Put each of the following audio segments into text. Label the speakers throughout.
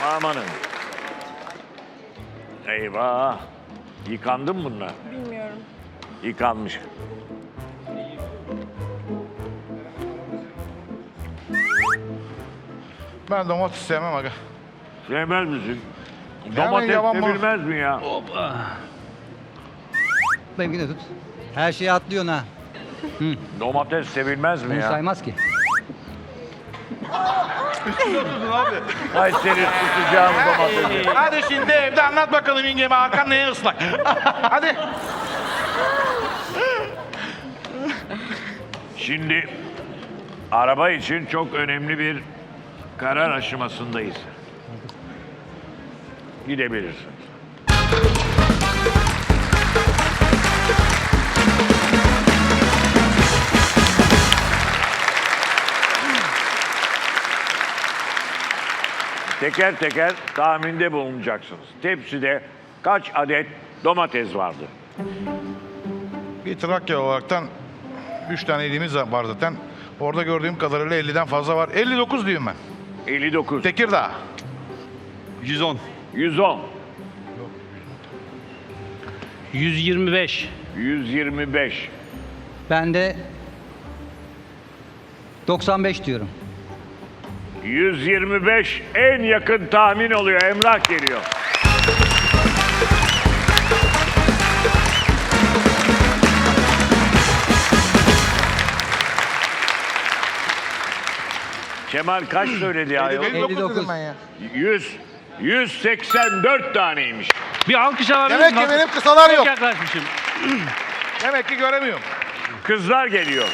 Speaker 1: Amanın. Eyvah. Yıkandı mı bunlar?
Speaker 2: Bilmiyorum.
Speaker 1: Yıkanmış.
Speaker 3: Ben domates sevmem aga.
Speaker 1: Sevmez misin?
Speaker 3: Hemen
Speaker 1: Domates
Speaker 3: yavan
Speaker 1: sevilmez mi ya?
Speaker 4: Benimkini de tut. Her şeyi atlıyorsun ha.
Speaker 1: Domates sevilmez mi
Speaker 4: Bunu
Speaker 1: ya?
Speaker 4: saymaz ki.
Speaker 1: Ay seni tutacağım domatesi.
Speaker 3: Hadi şimdi evde anlat bakalım yengeme Hakan neye ıslak. Hadi.
Speaker 1: Şimdi araba için çok önemli bir karar aşamasındayız. Gidebilirsin. Teker teker tahminde bulunacaksınız. Tepside kaç adet domates vardı?
Speaker 3: Bir Trakya olaraktan 3 tane ilimiz var zaten. Orada gördüğüm kadarıyla 50'den fazla var. 59 diyeyim ben.
Speaker 1: 59.
Speaker 3: Tekirdağ.
Speaker 5: 110.
Speaker 1: 110.
Speaker 6: 125.
Speaker 1: 125.
Speaker 4: Ben de 95 diyorum.
Speaker 1: 125 en yakın tahmin oluyor. Emrah geliyor. Kemal kaç söyledi ya?
Speaker 4: 59 dedim ben
Speaker 3: ya.
Speaker 1: 184 taneymiş.
Speaker 6: Bir alkış alabilir
Speaker 3: Demek ki benim kısalar yok.
Speaker 6: Çok yaklaşmışım.
Speaker 3: Demek ki göremiyorum.
Speaker 1: Kızlar geliyor.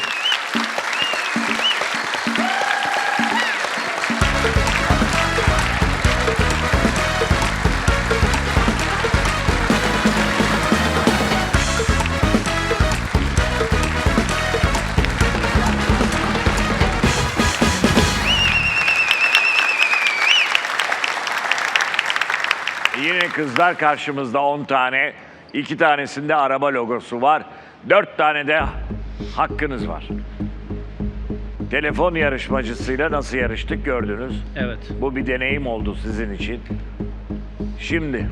Speaker 1: Yine kızlar karşımızda 10 tane. 2 tanesinde araba logosu var. 4 tane de hakkınız var. Telefon yarışmacısıyla nasıl yarıştık gördünüz.
Speaker 6: Evet.
Speaker 1: Bu bir deneyim oldu sizin için. Şimdi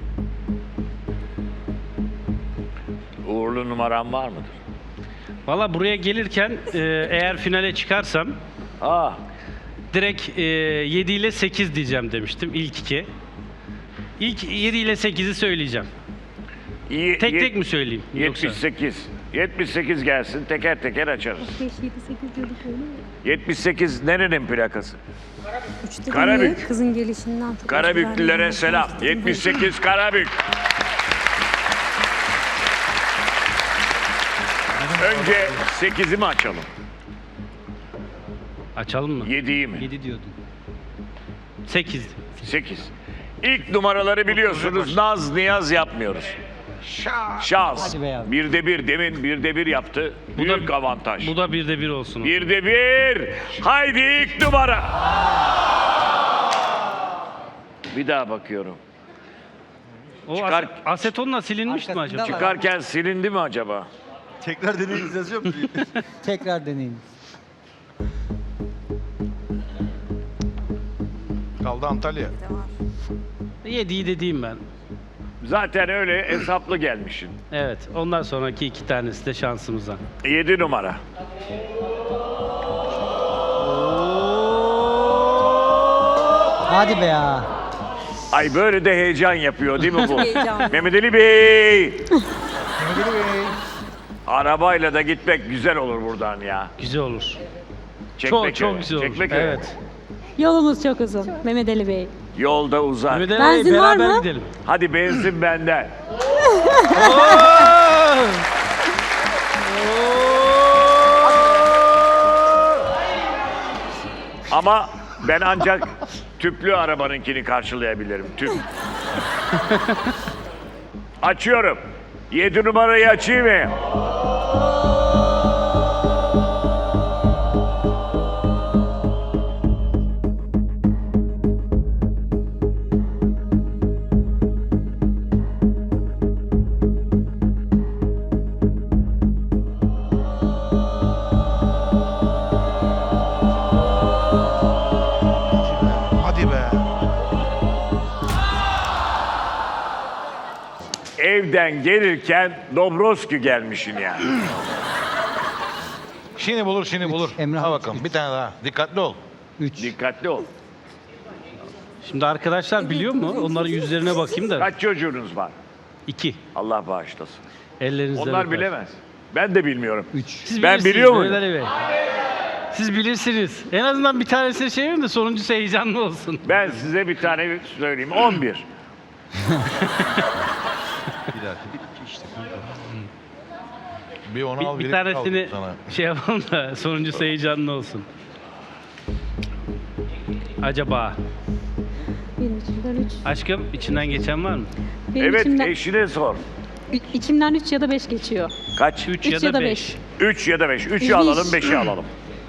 Speaker 1: uğurlu numaram var mıdır?
Speaker 6: Valla buraya gelirken eğer finale çıkarsam
Speaker 1: Aa,
Speaker 6: direkt 7 ile 8 diyeceğim demiştim ilk iki. İlk 7 ile 8'i söyleyeceğim.
Speaker 1: iyi,
Speaker 6: Tek tek mi söyleyeyim? Yoksa?
Speaker 1: 78. 78 gelsin, teker teker açarız.
Speaker 2: 5, 7, 8 diyorduk öyle mi?
Speaker 1: 78 nerenin plakası?
Speaker 2: Üçte
Speaker 1: Karabük.
Speaker 2: değil, kızın gelişinden tut.
Speaker 1: Karabüklülere selam. 78 Karabük. Önce 8'i mi açalım?
Speaker 6: Açalım mı?
Speaker 1: 7'yi mi?
Speaker 4: 7 diyordun.
Speaker 6: 8.
Speaker 1: 8. İlk numaraları biliyorsunuz. Naz niyaz yapmıyoruz. Şans.
Speaker 4: Hadi be yavrum.
Speaker 1: 1'de 1 demin 1'de 1 yaptı. Büyük avantaj.
Speaker 6: Bu da 1'de 1 olsun.
Speaker 1: 1'de 1. Haydi ilk numara. Bir daha bakıyorum.
Speaker 6: O
Speaker 1: Çıkar-
Speaker 6: asetonla silinmiş mi
Speaker 4: Arkasında
Speaker 6: acaba?
Speaker 4: var.
Speaker 1: Çıkarken silindi mi acaba?
Speaker 5: Tekrar deneyiniz yazıyor mu?
Speaker 4: Tekrar deneyin.
Speaker 3: Kaldı Antalya.
Speaker 6: 7'yi dediğim ben.
Speaker 1: Zaten öyle hesaplı gelmişsin.
Speaker 6: Evet. Ondan sonraki 2 tanesi de şansımıza.
Speaker 1: 7 numara.
Speaker 4: Hadi be ya.
Speaker 1: Ay böyle de heyecan yapıyor değil mi bu?
Speaker 2: Heyecanlı.
Speaker 1: Mehmet Ali Bey.
Speaker 3: Mehmet Ali Bey.
Speaker 1: Arabayla da gitmek güzel olur buradan ya.
Speaker 6: Güzel olur.
Speaker 1: Çekmeköy.
Speaker 6: Çok güzel olur.
Speaker 1: Çekmeköy.
Speaker 6: Evet.
Speaker 2: Yolumuz çok uzun. Mehmet Ali Bey.
Speaker 1: Yolda uzak.
Speaker 6: Mehmet Ali
Speaker 2: Benzin
Speaker 6: Bey,
Speaker 2: var
Speaker 6: beraber
Speaker 2: mı?
Speaker 6: gidelim.
Speaker 1: Hadi benzin benden. Ama ben ancak tüplü arabanınkini karşılayabilirim. Tüp. Açıyorum. 7 numarayı açayım mı?
Speaker 3: Hadi be.
Speaker 1: evden gelirken Dobroski gelmişsin yani.
Speaker 3: Şimdi bulur, şimdi bulur.
Speaker 4: Emrah,
Speaker 3: Ha bakalım, bir tane daha. Dikkatli ol.
Speaker 4: 3.
Speaker 1: Dikkatli ol.
Speaker 6: Şimdi arkadaşlar biliyor mu? Onların yüzlerine bakayım da.
Speaker 1: Kaç çocuğunuz var?
Speaker 6: 2.
Speaker 1: Allah bağışlasın.
Speaker 6: Ellerinizden
Speaker 1: Onlar
Speaker 6: öper.
Speaker 1: bilemez. Ben de bilmiyorum.
Speaker 4: 3.
Speaker 6: Siz
Speaker 1: Ben
Speaker 6: bilirsiniz
Speaker 1: biliyor muyum?
Speaker 6: Mehmet Ali Bey. Siz bilirsiniz. En azından bir tanesini şey verin de sonuncusu heyecanlı olsun.
Speaker 1: Ben size bir tane söyleyeyim. 11.
Speaker 5: Bir dakika. İşte kanka.
Speaker 3: Bir onu al,
Speaker 6: Bir
Speaker 3: biri
Speaker 6: tanesini
Speaker 3: al sana.
Speaker 6: şey yapalım da sonuncusu heyecanlı olsun. Acaba
Speaker 2: Benim içimden 3.
Speaker 6: aşkım içinden geçen var mı?
Speaker 2: Benim
Speaker 1: Evet,
Speaker 2: içimden,
Speaker 1: eşine sor.
Speaker 2: içimden 3 ya da 5 geçiyor.
Speaker 1: Kaç?
Speaker 6: 3
Speaker 2: 3
Speaker 6: ya da 5.
Speaker 1: 3 ya da 5. 3'ü
Speaker 2: Üç.
Speaker 1: alalım, 5'i alalım.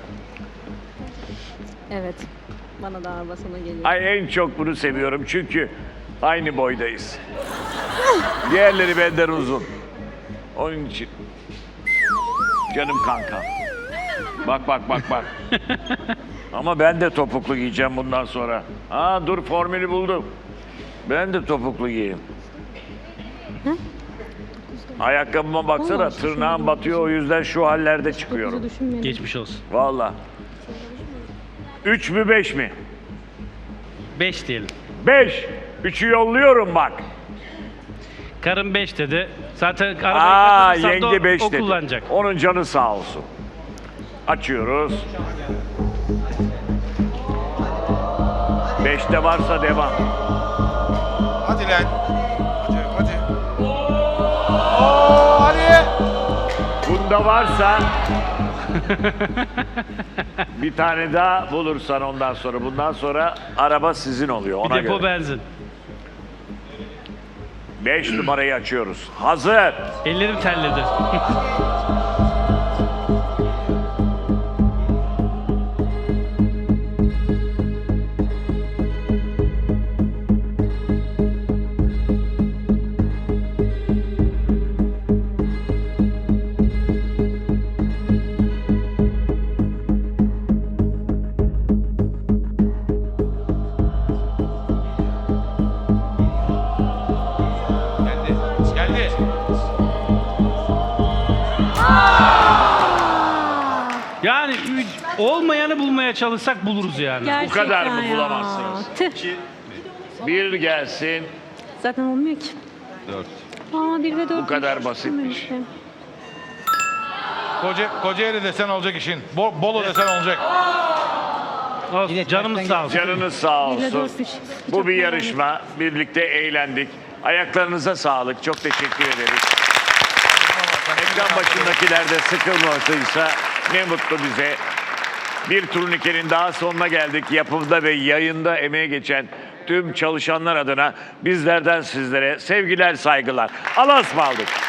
Speaker 2: Evet. Bana da araba sana geliyor.
Speaker 1: Ay en çok bunu seviyorum çünkü aynı boydayız. Diğerleri benden uzun. Onun için. Canım kanka. Bak bak bak bak. Ama ben de topuklu giyeceğim bundan sonra. Aa dur formülü buldum. Ben de topuklu giyeyim. Ayakkabıma baksana
Speaker 2: Vallahi
Speaker 1: tırnağım batıyor o yüzden şu hallerde çıkıyorum.
Speaker 2: Dokuzu düşünmeyelim.
Speaker 6: Geçmiş olsun.
Speaker 1: Vallahi. 3 mü 5 mi?
Speaker 6: 5 diyelim.
Speaker 1: 5. 3'ü yolluyorum bak.
Speaker 6: Karım 5 dedi. Zaten
Speaker 1: Aa
Speaker 6: arabayı kazanırsan
Speaker 1: yenge 5
Speaker 6: o
Speaker 1: dedi.
Speaker 6: kullanacak.
Speaker 1: Onun canı sağ olsun. Açıyoruz. 5'te varsa devam.
Speaker 3: Hadi lan. Hadi, hadi. Oo, hadi.
Speaker 1: Bunda varsa bir tane daha bulursan ondan sonra. Bundan sonra araba sizin oluyor
Speaker 6: Bir
Speaker 1: ona
Speaker 6: depo
Speaker 1: göre.
Speaker 6: benzin.
Speaker 1: 5 numarayı açıyoruz. Hazır.
Speaker 6: Ellerim terledi.
Speaker 3: Geldi. Geldi.
Speaker 6: Yani olmayanı bulmaya çalışsak buluruz yani.
Speaker 2: Gerçekten
Speaker 1: kadar mı
Speaker 2: ya.
Speaker 1: bulamazsınız?
Speaker 2: Tüh.
Speaker 1: Bir gelsin.
Speaker 2: Zaten olmuyor ki.
Speaker 5: 4.
Speaker 2: Aa 1 ve 4.
Speaker 1: Bu kadar basitmiş.
Speaker 3: Kocaeli desen olacak işin. Bolu desen olacak.
Speaker 6: Olsun,
Speaker 4: Yine
Speaker 6: canımız
Speaker 4: tersten
Speaker 6: sağ olsun.
Speaker 1: Canınız sağ
Speaker 2: 1 ve
Speaker 1: olsun.
Speaker 2: 4
Speaker 1: Bu bir yarışma. Birlikte eğlendik. Ayaklarınıza sağlık. Çok teşekkür ederiz. Ekran başındakiler de sıkılmadıysa ne mutlu bize. Bir turnikenin daha sonuna geldik. Yapımda ve yayında emeğe geçen tüm çalışanlar adına bizlerden sizlere sevgiler, saygılar. Allah'a ısmarladık.